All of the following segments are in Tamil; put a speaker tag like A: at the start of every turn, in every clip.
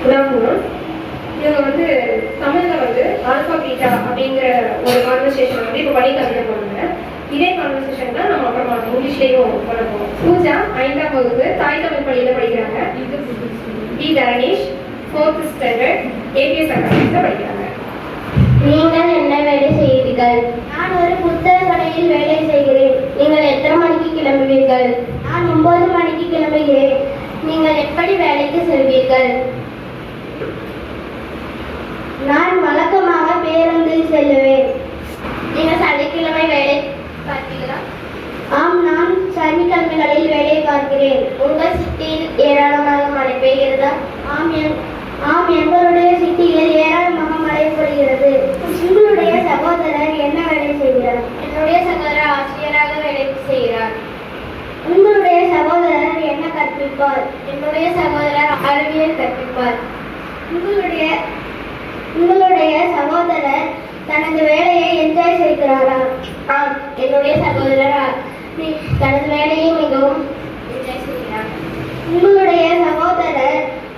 A: உதாரணம் இவங்க வந்து தமிழ்ல வந்து ஆல்பா பீட்டா அப்படிங்கிற ஒரு கான்வர்சேஷன் வந்து இப்போ படிக்க போனாங்க. இதே கான்வர்சேஷன் தான் நம்ம அப்புறமா இங்கிலீஷ்லேயும் பண்ண போகிறோம். பூஜா 5ஆம் வகுப்பு தாய் தமிழ் பள்ளியில் படிக்கிறாங்க. B Dharanesh 4th standard ABS அகாடமியில் படிக்கிறாங்க.
B: நீங்கள் என்ன வேலை செய்கிறீர்கள்? நான் ஒரு புத்தக கடையில் வேலை செய்கிறேன். நீங்கள் எத்தனை மணிக்கு கிளம்புவீர்கள்? நான் 9 மணிக்கு கிளம்புகிறேன். நீங்கள் எப்படி வேலைக்கு செல்வீர்கள்? நான் வழக்கமாக பேருந்தில் செல்லுவேன். நீங்கள் சனிக்கிழமை வேலை பார்க்கிறீர்களா? ஆம், நான் சனிக்கிழமைகளில் வேலை பார்க்கிறேன். உங்கள் சிட்டியில் ஏராளமாக மழை பெய்கிறதா? ஆம், எங்களுடைய சிட்டியில் ஏராளமாக மழை பொழிகிறது. உங்களுடைய சகோதரர் என்ன வேலை செய்கிறார்? என்னுடைய சகோதரர் ஆசிரியராக வேலை செய்கிறார். உங்களுடைய சகோதரர் என்ன கற்பிப்பார்? என்னுடைய சகோதரர் அறிவியல் கற்பிப்பார். உங்களுடைய சகோதரர் தனது வேலையை என்ஜாய் செய்கிறாரா? ஆம், என்னுடைய சகோதரர் தனது வேலையை மிகவும் என்ஜாய் செய்கிறார். உங்களுடைய சகோதரர்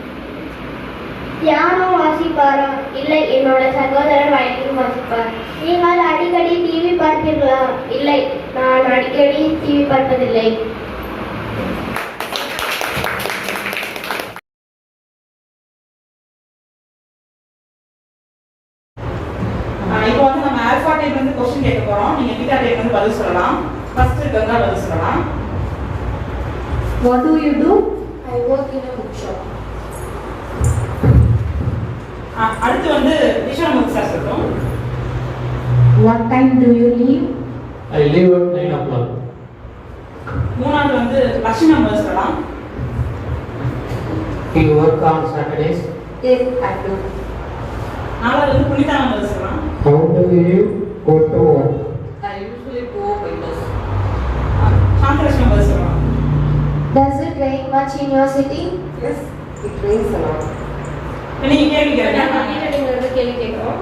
B: பியானோ வாசிப்பாரா? இல்லை, என்னோட சகோதரர் வயலின் வாசிப்பார். நீங்கள் அடிக்கடி டிவி பார்ப்பீர்களா? இல்லை, நான் அடிக்கடி டிவி பார்ப்பதில்லை.
C: இப்போ வந்து நம்ம ஆல்பா டைப் வந்து क्वेश्चन கேட்க போறோம். நீங்க பீட்டா டைப் வந்து பதில் சொல்லலாம். ஃபர்ஸ்ட் கங்கா பதில் சொல்லலாம்.
A: What do you do?
B: I work in a bookshop.
C: அடுத்து வந்து விஸ்வநாத் சார் சொல்றோம்.
A: What time do you leave?
D: I leave at 9 o'clock.
C: மூணாவது வந்து லட்சுமி பதில் சொல்லலாம்.
D: You work on Saturdays?
A: Yes, I do.
C: நாலாவது வந்து புனிதா பதில் சொல்லலாம்.
D: How do you go to work?
E: I usually go by bus.
C: Santhalakshmi பதில் சொல்லலாம்.
B: Does it rain much in your city?
E: Yes, it rains a lot.
C: நீங்க கேள்வி கேளுங்க.
A: நீங்க கேள்வி கேட்கிறோம்.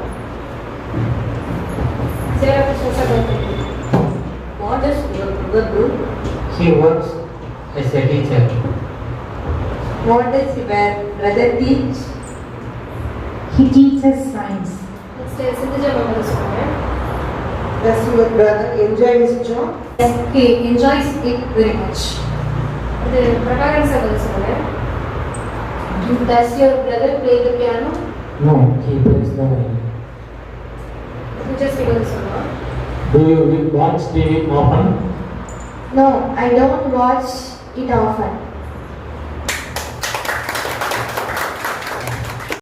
A: ஜெரா Krishna
E: What does your brother do?
D: He works as a teacher.
E: What does your brother teach?
A: He teaches science. Sindhuja பதில் சொல்லுங்க.
E: Does your brother enjoy his job?
A: Yes, he enjoys it very much. இது பிரகாரன் சார் பதில் சொல்லுங்க. Does your brother play the piano?
D: No, he plays the violin.
A: Just பதில் சொல்லுங்க.
D: Do you watch TV often?
B: No, I don't watch it often.